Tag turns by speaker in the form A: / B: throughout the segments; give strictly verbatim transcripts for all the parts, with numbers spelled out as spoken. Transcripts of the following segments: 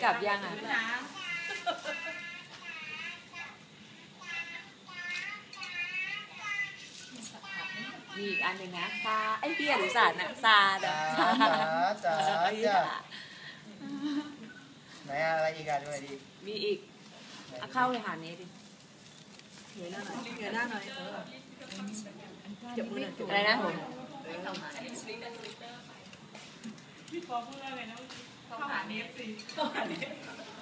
A: กลับยังอ่ะมีอีกอันหนึ่งนะซาไอ้เบียร์หรือสารนะซาดะ
B: จ๋าจ๋าจ๋าจ้ะไหนอะไรอีกอ่ะดูหน่อยดิ
A: มีอีกเอาเข้าเลยหาเนี้ดิ
C: เหนื่อยหน้าหน่อยเหนื่อยหน้าหน่อยเจ็บมือหน่อย
A: อะไรนะผม
D: พี่ปอพูดอะไรนะเข้าหาเนฟสิเข้าหาเนฟ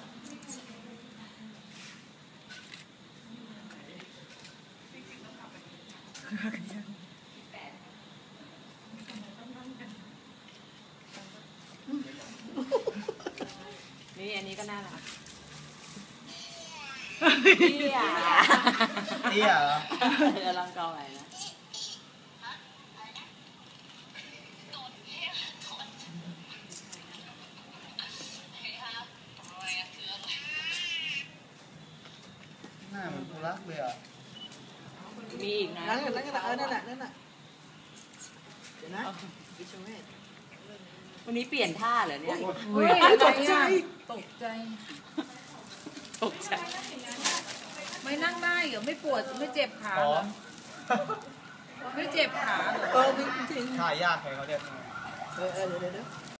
A: นี่อันนี้ก็น่ารักเตี้ย
B: เตี้ยเหรอ
A: เดี๋ยวลองเกาไหนนะ
B: หน้าเหมือนกูรักเลยอ่ะ
A: มีอีกนะ
C: นั่นนั่นนั่นเออนั่นแหละนั่นแหละเดี๋ยวนะวิชเวท
A: วันนี้เปลี่ยนท่าเหรอเนี่ย
C: เฮ้ยตกใจตกใจ
A: ตกใจ
C: ไม่นั่งได้เหรอไม่ปวดไม่เจ็บขา
B: พร้อม
C: ไม่เจ็บขาเหรอเออจริง
B: ถ่ายยากเลยเขาเนี่ย
C: เออเออเดี๋ยวเดี๋ยว